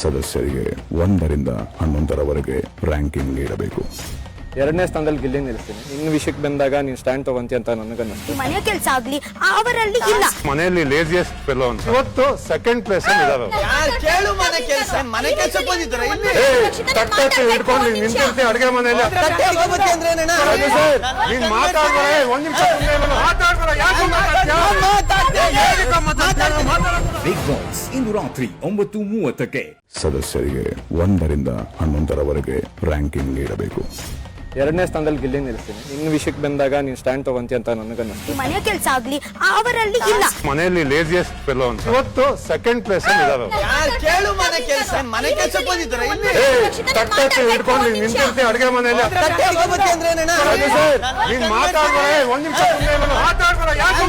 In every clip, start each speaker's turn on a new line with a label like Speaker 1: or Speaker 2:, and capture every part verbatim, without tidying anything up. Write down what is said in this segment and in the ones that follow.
Speaker 1: ಸದಸ್ಯರಿಗೆ ಒಂದರಿಂದ ಹನ್ನೊಂದರವರೆಗೆ ರ್ಯಾಂಕಿಂಗ್ ನೀಡಬೇಕು.
Speaker 2: ಎರಡನೇ ಸ್ಥಾನದಲ್ಲಿ ಗಿಲ್ಲಿ ನಿಲ್ಲಿಸ್ತೀನಿ. ಇನ್ನು ವಿಷಯಕ್ಕೆ ಬಂದಾಗ ನೀನು ಸ್ಟ್ಯಾಂಡ್ ತಗೊಂತಿ ಅಂತ ನನಗನ್ನಿಸ್ತು.
Speaker 3: ಮನೆ ಕೆಲಸ ಆಗ್ಲಿ ಅವರಲ್ಲಿ ಇಲ್ಲ.
Speaker 4: ಮನೆಯಲ್ಲಿ ಲೇಜಿಯಸ್ಟ್ ಫೆಲೋ ಅಂತ ಇವತ್ತು ಸೆಕೆಂಡ್ ಪ್ಲೇಸ್ ಅಲ್ಲಿ ಇದಾವೆ.
Speaker 5: ಕೇಳು ಮನೆ ಕೆಲಸ ಮನೆ ಕೆಲಸ ಬಂದಿದ್ದಾರೆ ಇಲ್ಲಿ
Speaker 4: ತಟ್ಟೆ ಹಿಡ್ಕೊಂಡು ನಿಂತಿರ್ತೀನಿ ಅಡುಗೆ ಮನೆಯಲ್ಲಿ. ನೀನ್ ಮಾತಾಡ್ಬೇಡ, ಒಂದ್ ನಿಮಿಷ ಮಾತಾಡ್ಬೇಡ. ಯಾಕೆ
Speaker 1: ಬಿಗ್ ಬಾಸ್ ಇಂದು ರಾತ್ರಿ ಒಂಬತ್ತು ಮೂವತ್ತಕ್ಕೆ. ಸದಸ್ಯರಿಗೆ ಒಂದರಿಂದ ಹನ್ನೊಂದರವರೆಗೆ ರ್ಯಾಂಕಿಂಗ್ ನೀಡಬೇಕು.
Speaker 2: ಎರಡನೇ ಸ್ಥಾನದಲ್ಲಿ ಗಿಲ್ಲಿ ನಿಲ್ಲಿಸ್ತೀನಿ. ಇನ್ನು ವಿಷಯಕ್ಕೆ ಬಂದಾಗ ನೀನು ಸ್ಟ್ಯಾಂಡ್ ತಗೊಂತಿ ಅಂತ ನನಗನ್ನಿಸ್ತು.
Speaker 3: ಮನೆ ಕೆಲಸ ಆಗ್ಲಿ ಅವರಲ್ಲಿ ಇಲ್ಲ.
Speaker 4: ಮನೆಯಲ್ಲಿ ಲೇಜಿಯಸ್ಟ್ ಫೆಲೋ ಅಂತ ಇವತ್ತು ಸೆಕೆಂಡ್ ಪ್ಲೇಸ್ ಅಲ್ಲಿ ಇದಾವೆ.
Speaker 5: ಕೇಳು ಮನೆ ಕೆಲಸ ಮನೆ ಕೆಲಸ ಬಂದಿದ್ದಾರೆ ಇಲ್ಲಿ
Speaker 4: ತಟ್ಟೆ ಹಿಡ್ಕೊಂಡು ನಿಂತಿರ್ತೀನಿ ಅಡುಗೆ ಮನೆಯಲ್ಲಿ. ನೀನ್ ಮಾತಾಡ್ಬೇಡ, ಒಂದ್ ನಿಮಿಷ ಮಾತಾಡ್ಬೇಡ. ಯಾಕೆ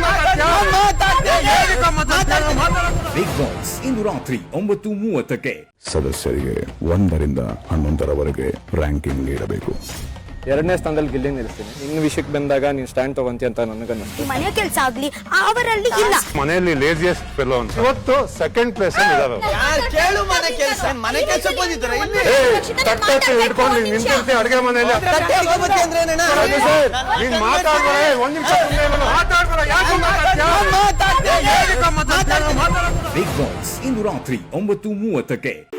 Speaker 1: ಬಿಗ್ ಬಾಸ್ ಇಂದು ರಾತ್ರಿ ಒಂಬತ್ತು ಮೂವತ್ತಕ್ಕೆ. ಸದಸ್ಯರಿಗೆ ಒಂದರಿಂದ ಹನ್ನೊಂದರವರೆಗೆ ರ್ಯಾಂಕಿಂಗ್ ನೀಡಬೇಕು.
Speaker 2: ಎರಡನೇ ಸ್ಥಾನದಲ್ಲಿ ಗಿಲ್ಲಿ ನಿಲ್ಲಿಸ್ತೀನಿ. ಇನ್ನು ವಿಷಯಕ್ಕೆ ಬಂದಾಗ ನೀನು ಸ್ಟ್ಯಾಂಡ್ ತಗೊಂತಿ ಅಂತ ನನಗನ್ನಿಸ್ತು.
Speaker 3: ಮನೆ ಕೆಲಸ ಆಗ್ಲಿ ಅವರಲ್ಲಿ ಇಲ್ಲ.
Speaker 4: ಮನೆಯಲ್ಲಿ ಲೇಜಿಯಸ್ಟ್ ಫೆಲೋ ಅಂತ ಇವತ್ತು ಸೆಕೆಂಡ್ ಪ್ಲೇಸ್ ಅಲ್ಲಿ ಇದಾವೆ.
Speaker 5: ಕೇಳು ಮನೆ ಕೆಲಸ ಮನೆ ಕೆಲಸ ಬಂದಿದ್ದಾರೆ ಇಲ್ಲಿ
Speaker 4: ತಟ್ಟೆ ಹಿಡ್ಕೊಂಡು ನಿಂತಿರ್ತೀನಿ ಅಡುಗೆ ಮನೆಯಲ್ಲಿ. ನೀನ್ ಮಾತಾಡ್ಬೇಡ, ಒಂದ್ ನಿಮಿಷ ಮಾತಾಡ್ಬೇಡ. ಯಾಕೆ
Speaker 1: ಬಿಗ್ ಬಾಸ್ ಇಂದು ರಾತ್ರಿ ಒಂಬತ್ತು ಮೂವತ್ತಕ್ಕೆ.